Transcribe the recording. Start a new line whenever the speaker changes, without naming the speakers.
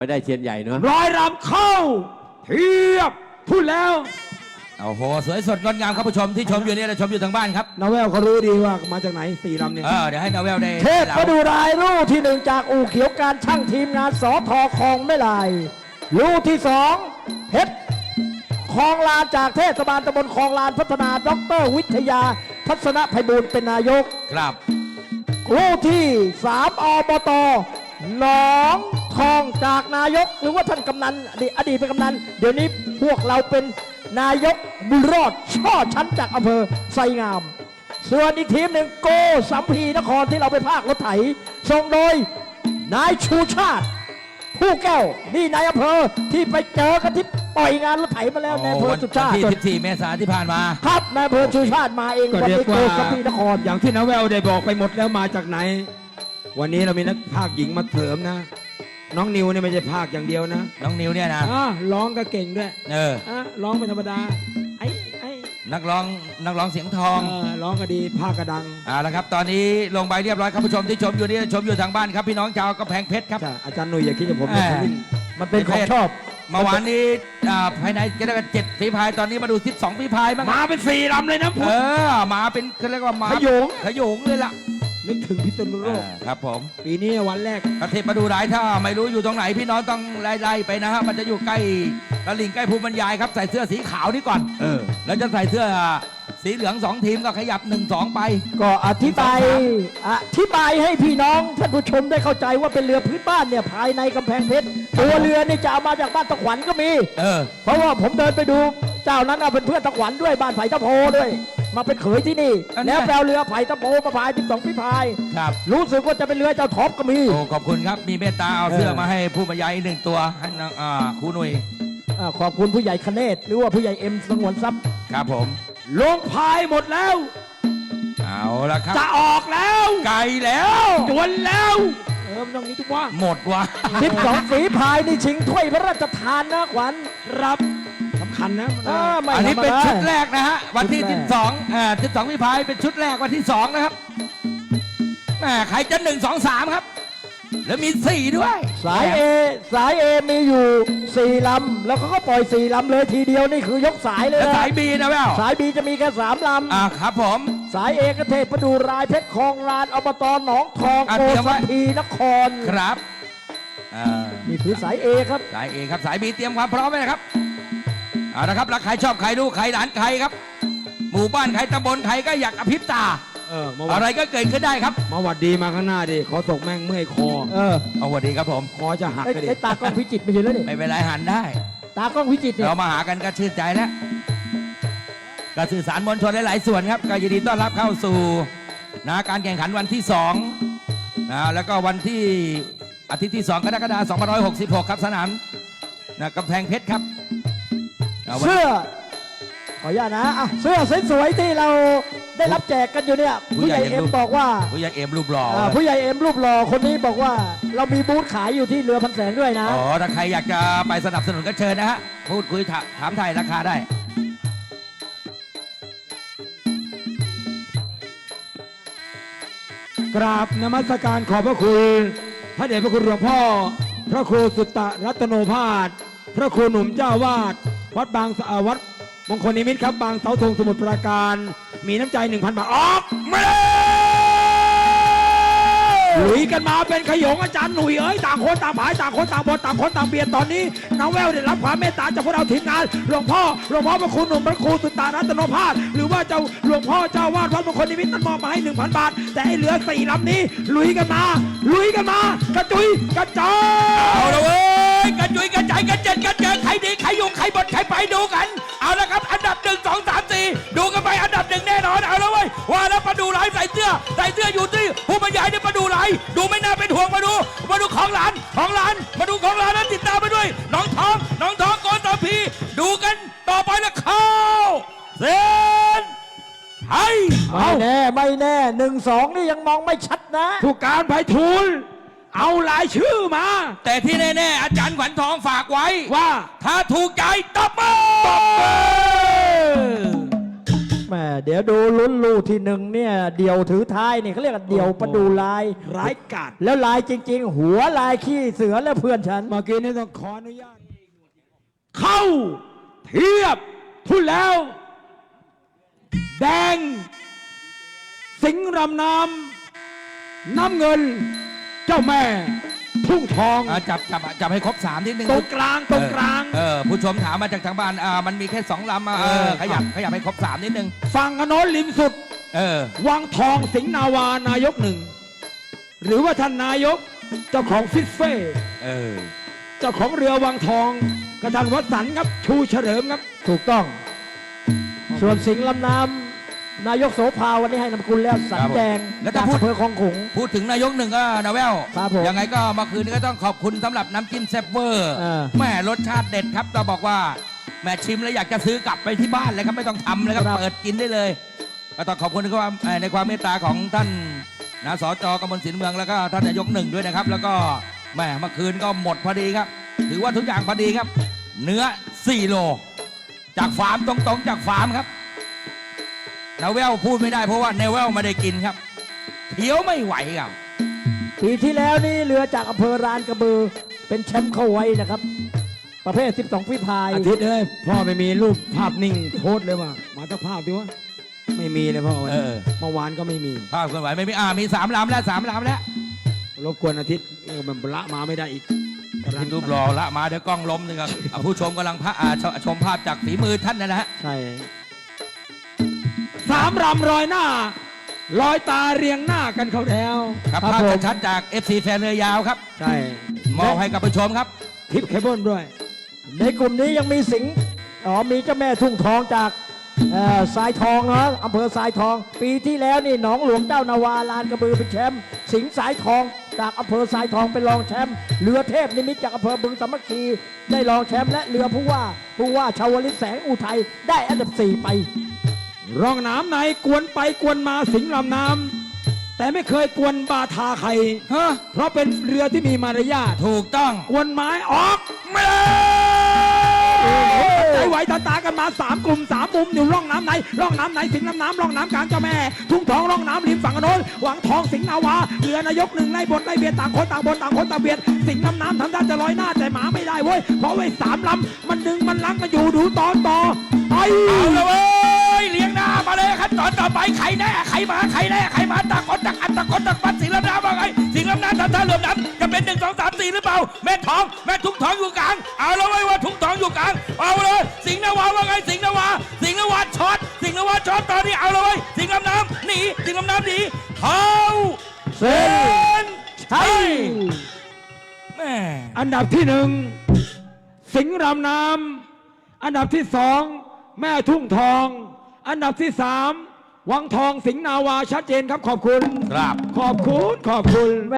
ไม่ได้เชียนใหญ่เนาะ
ร้อยรำเข้าเทียบพูดแล้ว
โอ้โหสวยสดงดงามครับผู้ชมที่ชมอยู่นี่และชมอยู่ทางบ้านครับ
นาเวลเขารู้ดีว่ามาจากไหนสี่ลำเนี่ย
เดี๋ยวให้นาเวลได้
เทพมาดูรายรูปที่หนึ่งจากอู่เขียวการช่างทีมงานสอทอคลองไม่ลายรูปที่สองเพชรคลองลานจากเทศบาลตำบลคลองลานพัฒนาดร.วิทยาทัศนไพบูลย์เป็นนายก
ครับ
รูปที่3อบต.หนองทองจากนายกหรือว่าท่านกำนันอดีตเป็นกำนันเดี๋ยวนี้พวกเราเป็นนายกบุญรอดช่อชั้นจากอำเภอไซงามส่วนอีกทีมหนึ่งโกสัมพีนครที่เราไปภาครถไถส่งโดยนายชูชาติผู้แก้วนี่นายอำเภอที่ไปเจอกันที่ปล่อยงานรถไถมาแล้วในอำเภอชูชาติ
ที่14 เมษายนที่ผ่านมา
ครับนายอำเภอชูชาติมาเอง
วันนี้โกสัมพีนครอย่างที่นาเวลได้บอกไปหมดแล้วมาจากไหนวันนี้เรามีนักภาคหญิงมาเสริมนะน้องนิวเนี่ยไม่ใช่ภาคอย่างเดียวนะ
น้องนิวเนี่ยนะ
ร้องก็เก่งด้วยร้องไม่ธรรมดา
นักร้องเสียงทอง
ร้องก็ดีภาคก็ดัง
แล้วครับตอนนี้ลงใบเรียบร้อยครับผู้ชมที่ชมอยู่นี่ชมอยู่ทางบ้านครับพี่น้องชาวกำแพงเพชรครับ
อาจารย์หนุ่ยอย่าคิดจะผม
มันเป็นของชอบ
เมื่อวานนี้ภายในก็ได้7 ฝีพายตอนนี้มาดู12 ฝีพายบ้าง
มาเป็น4 ลำเลยนะ
มาเป็นเขาเรียกว่ามา
ข
ยงเลยล่ะ
นึกถึงพิษณุโลก
ครับผม
ปีนี้วันแรก
ประเทศมาดูหลายถ้าไม่รู้อยู่ตรงไหนพี่น้องต้องไล่ไปนะฮะมันจะอยู่ใกล้ตลิ่งใกล้ภูมิบรรยายครับใส่เสื้อสีขาวนี่ก่อนแล้วจะใส่เสื้อสีเหลือง2 ทีมก็ขยับ1-2ไป
ก็อธิบายให้พี่น้องท่านผู้ชมได้เข้าใจว่าเป็นเรือพื้นบ้านเนี่ยภายในกำแพงเพชรตัวเรือนี่จะเอามาจากบ้านตะขวัญก็มีเพราะว่าผมเดินไปดูเจ้านั้นเป็นเพื่อนตะขวัญด้วยบ้านไผ่ตะโพด้วยมาเป็นเขยที่นี่แล้วแปลเรือไผ่ตะโพมาพาย12 ฝีพาย
ครับ
รู้สึกว่าจะเป็นเรือเจ้าท็อปก็มี
โอ้ขอบคุณครับมีเมตตาเอาเสื้อมาให้ผู้บรรยาย1 ตัวให้ครูหนุ่ย
ขอบคุณผู้ใหญ่คเนศหรือว่าผู้ใหญ่เอ็มสงวนทรัพย์
ครับผม
ลงพายหมดแล้ว
เอาละครับ
จะออกแล้ว
ไกลแล้ว
จวนแล้วตรงนี้ทุกว่า
หมดว่ะ
12 ฝีพายนี่ชิงถ้วยพระราชทานนะขวัญ
รับสำคัญนะ
อันนี้เป็นชุดแรกนะฮะวันที่12 ฝีพายเป็นชุดแรกวันที่2นะครับใครจะ1 2 3ครับแล้วมี4ด้วย
สายเอมีอยู่4 ลำแล้วเขาก็ปล่อย4 ลำเลยทีเดียวนี่คือยกสายเลย
นะสายบีนะแม่
สายบีจะมีแค่3 ลำ
ครับผม
สายเอกเทพประดูรายเพชรคลองลานอบตหนองทองโกสัมพีนคร
ครับ
นี่คือสายเอครับ
สายเอครับสายบีเตรียมความพร้อมไว้นะครับนะครับรักใครชอบใครดูใครหลานใครครับหมู่บ้านใครตำบลใครก็อยากอภิปตาอะไรก็เกิดขึ้นได้ครับ
มาวัดดีมาข้างหน้าดิขอตกแม่งเมื่อยคอ
เอาวัดดีครับผม
คอจะหัก
ไอ้ตากล้องพิจิตรไม่ใช่แล้วนี่
ไม่เป็นไรหันได้
ตากล้องพิจิตร
เรามาหากันก็ชื่นใจแล้วการสื่อสารมวลชนหลายๆส่วนครับก็ยินดีต้อนรับเข้าสู่การแข่งขันวันที่2แล้วก็วันที่อาทิตย์ที่2 กรกฎาคม 2566ครับสนามกำแพงเพชรครับ
เสื้อขออนุญาตนะเสื้อสวยๆที่เราได้รับแจกกันอยู่เนี่ยผู้ใหญ่เอ็มบอกว่า
ผู้ใหญ่เอ็มรูปหล่อ
ผู้ใหญ่เอ็มรูปหล่อคนนี้บอกว่าเรามีบูธขายอยู่ที่เรือพันแสงด้วยนะ
ถ้าใครอยากจะไปสนับสนุนก็เชิญนะฮะพูดคุยถามไทยราคาได้
กราบนมัสการขอบพระคุณพระเดชพระคุณหลวงพ่อพระครูสุตตะรัตโนภาสพระครูหนุ่มเจ้าวาดวัดบางวัดมงคลนิมิตครับบางเสาธงสมุทรปราการมีน้ำใจ 1,000 บาทออกมาลุยกันมาเป็นขยงอาจารย์หนุ่ยต่างคนต่างผายต่างคนต่างบนต่างคนต่างเบียดตอนนี้น้องแววได้รับความเมตตาจากพวกเราทีมงานหลวงพ่อพระครูหนุ่มพระครูสุตตารัตโนภาสหรือว่าเจ้าหลวงพ่อเจ้าวาดวัดมงคลนิมิตนั้นมอบมาให้ 1,000 บาทแต่ไอ้เหลือ4 ลำนี้ลุยกันมากระจุยกระจาย
เอาละเว้ยกระจุยกระจายกระเจิดกระเจิงใครดีใครยุ่งใครบดใครไปดูกันเอาละครับอันดับ1 2 3 4ดูกันไปอันดับ1แน่นอนเอาละเว้ยว่าแล้วประดูไหลใส่เสื้ออยู่ที่ผู้บรรยายเนี่ยประดูไหลดูไม่น่าเป็นห่วงมาดูของหลานมาดูของหลานนั้นติดตามไปด้วยน้องทองโกนตาพีดูกันต่อไปแล้วเข้าเส้น
ไม่แน่1-2นี่ยังมองไม่ชัดนะ
ผู้การไพฑูรย์เอารายชื่อมา
แต่ที่แน่ๆอาจารย์ขวัญทองฝากไว้
ว่า
ถ้าถูกใจตบมือ
แม่เดี๋ยวยวดูลุ้นลูที่หนึ่งเนี่ยเดี่ยวถือท้ายเนี่ยเขาเรียกว่าเดี่ยวประดูลาย
ร้ายกาจ
แล้วลายจริง ๆ หัวลายขี้เสือและเพื่อนฉัน
เมื่อกี้นี่ต้องขออนุญาต เข้าเทียบทุนแล้ว แดง สิงห์รำน้ำน้ำเงิน เจ้าแม่ ทุ่งทอง
จับให้ครบ3นิดนึง
ตรงกลางตรงกลาง
ผู้ชมถามมาจากทางบ้านมันมีแค่2 ลำขยับให้ครบ3นิดนึง
ฝั่งอโนนริมสุด วังทองสิงห์นาวานายกหนึ่ง หรือว่าท่านนายกเจ้าของฟิสเฟ่เจ้าของเรือวังทองกระทันวัสันต์ครับชูเฉลิมครับ
ถูกต้อง ส่วนสิงห์ลำน้ำนายกโสภาวันนี้ให้นำกุลแล้วสันแดง
แล้ว
จาก
ถ้าพูด
อำเภอคลองขลุง
พูดถึงนายกหนึ่งก็นาแวว
ครับผม
ยังไงก็เมื่อคืนนี้ก็ต้องขอบคุณสำหรับน้ำจิ้มแซ่บเวอร์ แม่รสชาติเด็ดครับเราบอกว่าแม่ชิมแล้วอยากจะซื้อกลับไปที่บ้านเลยครับไม่ต้องทำเลยครับเปิดกินได้เลย ก็ต้องขอบคุณในความเมตตาของท่านนะสจกมลศิลป์เมืองแล้วก็ท่านนายกหนึ่งด้วยนะครับ แล้วก็แม่เมื่อคืนก็หมดพอดีครับ ถือว่าทุกอย่างพอดีครับ เนื้อ4 โลจากฟาร์มตรงๆจากฟาร์มครับนาแววพูดไม่ได้เพราะว่านาแววไม่ได้กินครับเขียวไม่ไหวครับ
ปีที่แล้วนี่เรือจากอำเภอรานกระบือเป็นแชมป์เข้าไว้นะครับ ประเภท 12 ฝีพาย
อาทิตย์เลยพ่อไม่มีรูปภาพนิ่งโพสต์เลยว่ามาตั้งภาพดิวะไม่มีเลยพ่อเมื่อวานก็ไม่มี
ภาพเคลื่อนไหวไม่มีมี3 ลำแล้ว3 ลำแล้ว
รบกวนอาทิตย์มันละมาไม่ได้อีก
ทินรูปรอละมาเดี๋ยวกล้องล้มนึงครับผู้ชมกำลังชมภาพจากฝีมือท่านนะฮะ
ใช่
3 รำรอยหน้า รอยตาเรียงหน้ากันเขาแล้ว
ครับภาพชัดๆจาก FC แฟนเรือยาวครับ
ใช่
มอบให้กับผู้ชมครับ
ทิปเคเบิลด้วย
ในกลุ่มนี้ยังมีสิงห์มีเจ้าแม่ทุ่งทองจากสายทองนะอำเภอสายทอง ปีที่แล้วนี่หนองหลวงเจ้านาวาลานกระบือเป็นแชมป์สิงห์สายทองจากอำเภอสายทองเป็นรองแชมป์เรือเทพนิมิตจากอำเภอบึงสามัคคีได้รองแชมป์และเรือผู้ว่าชาวลิตแสงอุทัยได้อันดับ 4 ไป
ร่องน้ำไหนกวนไปกวนมาสิงห์ลำน้ำแต่ไม่เคยกวนบาทาใคร
ฮะ
เพราะเป็นเรือที่มีมารยาท
ถูกต้อง
กวนไม้ออก
ไม่
ใจไหวตากันมา3 กลุ่ม 3 มุมอยู่ร่องน้ำไหนร่องน้ำไหนสิงห์ลำน้ำร่องน้ำกลางเจ้าแม่ ทุ่งทองร่องน้ำริมฝั่งโน้นหวังทองสิงห์นาวาเรือนายกหนึ่งไล่บนไล่เบียดต่างคนต่างบนต่างคนต่างเบียดสิงห์ลำน้ำทำท่าจะลอยหน้าแต่หมาไม่ได้เว้ยเพราะไว้3 ลำมันดึงมันลังกันอยู่ดูตอนต่อไป
เอาละเว้ยเลี้ยงหน้ามาเลยขั้นตอนต่อไปใครแน่ใครมาใครแน่ใครมาต่างคนต่างอันต่างคนต่างปัดสิงห์ลำน้ำว่าไงสิงห์ลำน้ำทำท่าเรือน้ำจะเป็น1 2 3 4หรือเปล่าแม่ทุ่งทองอยู่กลางเอาละเว้ยว่าทุ่งทองอยู่กลางเอาเลยสิงห์นาวาว่าไงสิงห์นาวาช็อตสิงห์นาวาช็อตตอนนี้เอาละเว้ยสิงห์ลำน้ำหนีสิงห์ลำน้ำหนีเข้าเส้นชัยแม่
อันดับที่ 1 สิงห์รำน้ำอันดับที่ 2 แม่ทุ่งทอง อันดับที่ 3 วังทองสิงห์นาวาชัดเจนครับขอบคุณ
ครับ
ขอบคุณ